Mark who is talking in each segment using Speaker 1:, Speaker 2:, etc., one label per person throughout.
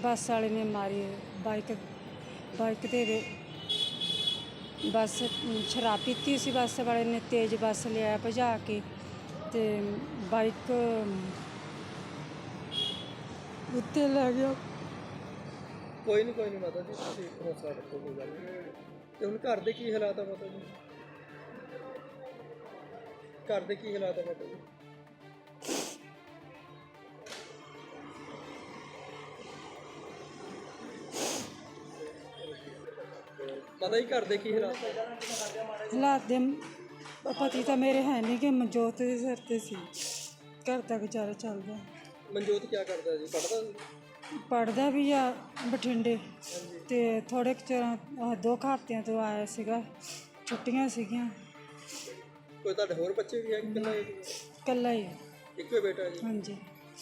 Speaker 1: ਬੱਸ ਵਾਲੇ ਨੇ ਮਾਰੀ ਬਾਈਕ ਤੇ ਬੱਸ ਸ਼ਰਾਬ ਪੀਤੀ ਸੀ। ਬੱਸ ਵਾਲੇ ਨੇ ਤੇਜ਼ ਬੱਸ ਲਿਆ ਭਜਾ ਕੇ ਤੇ ਬਾਈਕ ਉੱਤੇ ਲੈ ਗਿਆ।
Speaker 2: ਕੋਈ ਨਹੀਂ ਮਾਤਾ ਜੀ, ਤੁਸੀਂ ਹੌਸਲਾ ਰੱਖੋ, ਕੋਈ ਗੱਲ ਨਹੀਂ। ਤੇ ਹੁਣ ਘਰ ਦੇ ਕੀ ਹਾਲਾਤ ਆ ਮਾਤਾ ਜੀ? ਘਰ ਦੇ ਕੀ ਹਾਲਾਤ ਆ ਮਾਤਾ ਜੀ? ਮਾਤਾ ਜੀ ਘਰ ਦੇ ਕੀ
Speaker 1: ਹਾਲਾਤ ਦੇ ਪਤੀ ਤਾਂ ਮੇਰੇ ਹੈ ਨਹੀਂ ਕਿ ਮਨਜੋਤ ਦੇ ਸਿਰ ਤੇ ਸੀ, ਘਰ ਦਾ ਗੁਜ਼ਾਰਾ ਚੱਲਦਾ।
Speaker 2: ਮਨਜੋਤ ਕੀ ਕਰਦਾ ਜੀ? ਪੜ੍ਹਦਾ ਸੀ?
Speaker 1: ਪੜ੍ਹਦਾ ਵੀ ਆ ਬਠਿੰਡੇ ਤੇ ਥੋੜੇ ਚਿਰ 2 ਹਫ਼ਤਿਆਂ ਤੋਂ ਆਇਆ ਸੀਗਾ, ਛੁੱਟੀਆਂ ਸੀਗੀਆਂ।
Speaker 2: ਕੋਈ ਤੁਹਾਡੇ ਹੋਰ ਬੱਚੇ ਵੀ ਹੈ ਕਿ
Speaker 1: ਇਕੱਲਾ ਹੀ ਆ?
Speaker 2: ਇੱਕੋ ਹੀ ਬੇਟਾ ਜੀ?
Speaker 1: ਹਾਂਜੀ।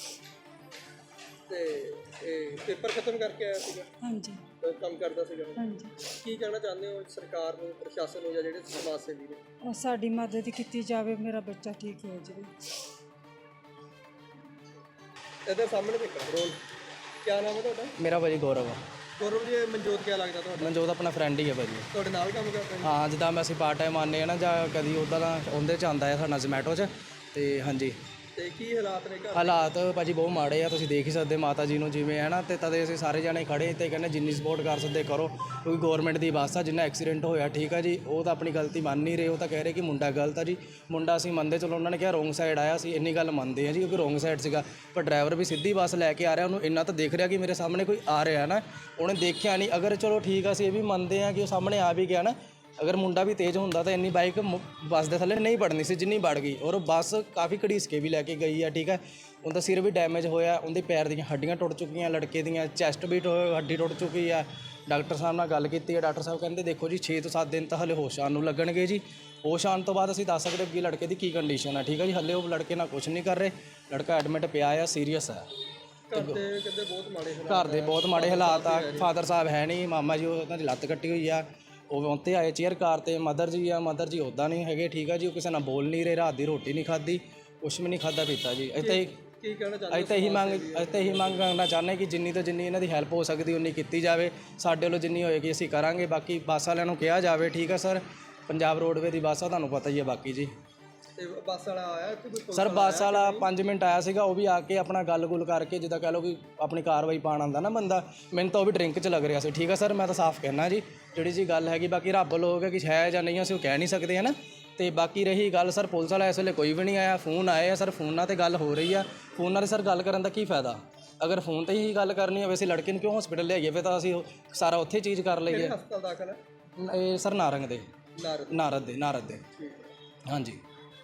Speaker 2: ਤੇ ਇਹ ਪੇਪਰ ਖਤਮ ਕਰਕੇ ਆਇਆ ਸੀਗਾ?
Speaker 1: ਹਾਂਜੀ।
Speaker 2: ਕੰਮ ਕਰਦਾ ਸੀਗਾ?
Speaker 1: ਹਾਂਜੀ।
Speaker 2: ਕੀ ਕਹਿਣਾ ਚਾਹੁੰਦੇ ਹੋ ਸਰਕਾਰ ਨੂੰ, ਪ੍ਰਸ਼ਾਸਨ ਨੂੰ, ਜਾਂ ਜਿਹੜੇ ਸਮਾਜ ਸੇਵੀ ਨੇ?
Speaker 1: ਉਹ ਸਾਡੀ ਮਦਦ ਕੀਤੀ ਜਾਵੇ, ਮੇਰਾ ਬੱਚਾ ਠੀਕ ਹੋ ਜਾਵੇ।
Speaker 2: ਇਹਦੇ ਸਾਹਮਣੇ ਦੇਖੋ ਰੋਲ। ਕੀ ਨਾਮ ਹੈ ਤੁਹਾਡਾ?
Speaker 3: ਮੇਰਾ ਭਾਜੀ ਗੌਰਵ ਆ।
Speaker 2: ਗੌਰਵ ਜੀ, ਮਨਜੋਤ ਕੀ ਲੱਗਦਾ ਤੁਹਾਡਾ?
Speaker 3: ਮਨਜੋਤ ਆਪਣਾ ਫਰੈਂਡ ਹੀ ਹੈ ਭਾਜੀ।
Speaker 2: ਤੁਹਾਡੇ ਨਾਲ ਕੰਮ ਕਰਦਾ ਜੀ?
Speaker 3: ਹਾਂ, ਜਿੱਦਾਂ ਮੈਂ ਅਸੀਂ ਪਾਰਟ ਟਾਈਮ ਆਉਂਦੇ ਹਾਂ ਨਾ, ਜਾਂ ਕਦੀ ਉੱਦਾਂ ਦਾ ਉਹਦੇ 'ਚ ਆਉਂਦਾ ਹੈ ਸਾਡਾ ਜ਼ੋਮੈਟੋ 'ਚ। ਤੇ ਹਾਂਜੀ,
Speaker 2: ਤੇ ਕੀ ਹਾਲਾਤ ਨੇ ਘਰ?
Speaker 3: ਹਾਲਾਤ ਭਾਜੀ ਬਹੁਤ ਮਾੜੇ ਆ, ਤੁਸੀਂ ਦੇਖ ਹੀ ਸਕਦੇ ਮਾਤਾ ਜੀ ਨੂੰ ਜਿਵੇਂ ਹੈ ਨਾ। ਤੇ ਤਦੇ ਅਸੀਂ ਸਾਰੇ ਜਾਣੇ ਖੜੇ ਤੇ ਕਹਿੰਦੇ ਜਿੰਨੀ ਸਪੋਰਟ ਕਰ ਸਕਦੇ ਕਰੋ, ਕਿਉਂਕਿ ਗੌਰਮੈਂਟ ਦੀ ਬੱਸ ਆ। ਜਿੰਨਾ ਐਕਸੀਡੈਂਟ ਹੋਇਆ ਠੀਕ ਆ ਜੀ, ਉਹ ਤਾਂ ਆਪਣੀ ਗਲਤੀ ਮੰਨ ਨਹੀਂ ਰਹੇ। ਉਹ ਤਾਂ ਕਹਿ ਰਹੇ ਕਿ ਮੁੰਡਾ ਗਲਤ ਆ ਜੀ। ਮੁੰਡਾ ਅਸੀਂ ਮੰਨਦੇ, ਚਲੋ ਉਹਨਾਂ ਨੇ ਕਿਹਾ ਰੋਂਗ ਸਾਈਡ ਆਇਆ, ਸੀ ਇੰਨੀ ਗੱਲ ਮੰਨਦੇ ਆ ਜੀ, ਕਿਉਂਕਿ ਰੋਂਗ ਸਾਈਡ ਸੀਗਾ। ਪਰ ਡਰਾਈਵਰ ਵੀ ਸਿੱਧੀ ਬੱਸ ਲੈ ਕੇ ਆ ਰਿਹਾ, ਉਹਨੂੰ ਇੰਨਾ ਤਾਂ ਦੇਖ ਰਿਹਾ ਕਿ ਮੇਰੇ ਸਾਹਮਣੇ ਕੋਈ ਆ ਰਿਹਾ ਨਾ, ਉਹਨੇ ਦੇਖਿਆ ਨਹੀਂ। ਅਗਰ ਚਲੋ ਠੀਕ ਆ, ਅਸੀਂ ਇਹ ਵੀ ਮੰਨਦੇ ਆ ਕਿ ਉਹ ਸਾਹਮਣੇ ਆ ਵੀ ਗਿਆ ਨਾ, ਅਗਰ ਮੁੰਡਾ ਵੀ ਤੇਜ਼ ਹੁੰਦਾ ਤਾਂ ਇੰਨੀ ਬਾਈਕ ਬੱਸ ਦੇ ਥੱਲੇ ਨਹੀਂ ਵੜਨੀ ਸੀ ਜਿੰਨੀ ਵੜ ਗਈ। ਔਰ ਬੱਸ ਕਾਫੀ ਘੜੀਸ ਕੇ ਵੀ ਲੈ ਕੇ ਗਈ ਆ, ਠੀਕ ਹੈ। ਉਹਦਾ ਸਿਰ ਵੀ ਡੈਮੇਜ ਹੋਇਆ, ਉਹਦੇ ਪੈਰ ਦੀਆਂ ਹੱਡੀਆਂ ਟੁੱਟ ਚੁੱਕੀਆਂ, ਲੜਕੇ ਦੀਆਂ ਚੈਸਟ ਵੀ ਹੱਡੀ ਟੁੱਟ ਚੁੱਕੀ ਆ। ਡਾਕਟਰ ਸਾਹਿਬ ਨਾਲ ਗੱਲ ਕੀਤੀ ਹੈ, ਡਾਕਟਰ ਸਾਹਿਬ ਕਹਿੰਦੇ ਦੇਖੋ ਜੀ 6 ਤੋਂ 7 ਦਿਨ ਤਾਂ ਹਲੇ ਹੋਸ਼ ਆਉਣ ਨੂੰ ਲੱਗਣਗੇ ਜੀ। ਹੋਸ਼ ਆਉਣ ਤੋਂ ਬਾਅਦ ਅਸੀਂ ਦੱਸ ਸਕਦੇ ਕਿ ਲੜਕੇ ਦੀ ਕੀ ਕੰਡੀਸ਼ਨ ਆ, ਠੀਕ ਹੈ ਜੀ। ਹਲੇ ਉਹ ਲੜਕੇ ਨਾਲ ਕੁਝ ਨਹੀਂ ਕਰ ਰਹੇ, ਲੜਕਾ ਐਡਮਿਟ ਪਿਆ ਆ, ਸੀਰੀਅਸ ਆ।
Speaker 2: ਘਰ ਦੇ ਕਹਿੰਦੇ ਬਹੁਤ ਮਾੜੇ ਹਾਲਾਤ?
Speaker 3: ਘਰ ਦੇ ਬਹੁਤ ਮਾੜੇ ਹਾਲਾਤ ਆ। ਫਾਦਰ ਸਾਹਿਬ ਹੈ ਨਹੀਂ, ਮਾਮਾ ਜੀ ਉਹਨਾਂ ਦੀ ਲੱਤ ਕੱਟੀ ਹੋਈ ਆ, ਉਹ ਉੱਤੇ ਆਏ ਚੇਅਰ ਕਾਰ 'ਤੇ। ਮਦਰ ਜੀ ਆ, ਮਦਰ ਜੀ ਉੱਦਾਂ ਨਹੀਂ ਹੈਗੇ, ਠੀਕ ਆ ਜੀ। ਉਹ ਕਿਸੇ ਨਾਲ ਬੋਲ ਨਹੀਂ ਰਹੇ, ਰਾਤ ਦੀ ਰੋਟੀ ਨਹੀਂ ਖਾਧੀ, ਕੁਛ ਵੀ ਨਹੀਂ ਖਾਧਾ ਪੀਤਾ ਜੀ। ਇੱਥੇ
Speaker 2: ਕੀ ਕਹਿਣਾ ਚਾਹੁੰਦੇ?
Speaker 3: ਅਸੀਂ ਤਾਂ ਇਹੀ ਮੰਗ ਕਰਨਾ ਚਾਹੁੰਦੇ ਕਿ ਜਿੰਨੀ ਤੋਂ ਜਿੰਨੀ ਇਹਨਾਂ ਦੀ ਹੈਲਪ ਹੋ ਸਕਦੀ ਉਨੀ ਕੀਤੀ ਜਾਵੇ। ਸਾਡੇ ਵੱਲੋਂ ਜਿੰਨੀ ਹੋਏਗੀ ਅਸੀਂ ਕਰਾਂਗੇ। ਬਾਕੀ ਬੱਸ ਵਾਲਿਆਂ ਨੂੰ ਕਿਹਾ ਜਾਵੇ, ਠੀਕ ਆ ਸਰ। ਪੰਜਾਬ ਰੋਡਵੇ ਦੀ ਬੱਸ ਆ, ਤੁਹਾਨੂੰ ਪਤਾ ਹੀ ਹੈ। ਬਾਕੀ ਜੀ
Speaker 2: ਤੇ ਬੱਸ ਵਾਲਾ ਆਇਆ
Speaker 3: ਸਰ? ਬੱਸ ਵਾਲਾ 5 ਮਿੰਟ ਆਇਆ ਸੀਗਾ, ਉਹ ਵੀ ਆ ਕੇ ਆਪਣਾ ਗੱਲ-ਗੁੱਲ ਕਰਕੇ, ਜਿੱਦਾਂ ਕਹਿ ਲਓ ਕਿ ਆਪਣੀ ਕਾਰਵਾਈ ਪਾਉਣ ਆਉਂਦਾ ਨਾ ਬੰਦਾ। ਮੈਨੂੰ ਤਾਂ ਉਹ ਵੀ ਡਰਿੰਕ 'ਚ ਲੱਗ ਰਿਹਾ ਸੀ, ਠੀਕ ਆ ਸਰ। ਮੈਂ ਤਾਂ ਸਾਫ਼ ਕਹਿਣਾ ਜੀ, ਜਿਹੜੀ ਜੀ ਗੱਲ ਹੈਗੀ। ਬਾਕੀ ਰੱਬ ਵੱਲੋਂ ਹੋ ਗਿਆ ਕਿ ਹੈ ਜਾਂ ਨਹੀਂ, ਅਸੀਂ ਉਹ ਕਹਿ ਨਹੀਂ ਸਕਦੇ ਹੈ ਨਾ। ਤੇ ਬਾਕੀ ਰਹੀ ਗੱਲ ਸਰ, ਪੁਲਿਸ ਵਾਲਾ ਇਸ ਵੇਲੇ ਕੋਈ ਵੀ ਨਹੀਂ ਆਇਆ। ਫੋਨ ਆਏ ਆ ਸਰ, ਫੋਨਾਂ 'ਤੇ ਗੱਲ ਹੋ ਰਹੀ ਆ। ਫੋਨਾਂ 'ਤੇ ਸਰ ਗੱਲ ਕਰਨ ਦਾ ਕੀ ਫਾਇਦਾ? ਅਗਰ ਫੋਨ 'ਤੇ ਹੀ ਗੱਲ ਕਰਨੀ ਹੋਵੇ, ਅਸੀਂ ਲੜਕੇ ਨੂੰ ਕਿਉਂ ਹਸਪੀਟਲ ਲਿਆਈਏ? ਫਿਰ ਤਾਂ ਅਸੀਂ ਸਾਰਾ ਉੱਥੇ ਚੀਜ਼ ਕਰ ਲਈਏ।
Speaker 2: ਹਸਪਤਾਲ ਦਾਖਲ ਹੈ
Speaker 3: ਇਹ ਸਰ ਨਾਰੰਗ ਦੇ,
Speaker 2: ਨਾਰਦ
Speaker 3: ਨਾਰਦ ਦੇ। ਹਾਂਜੀ।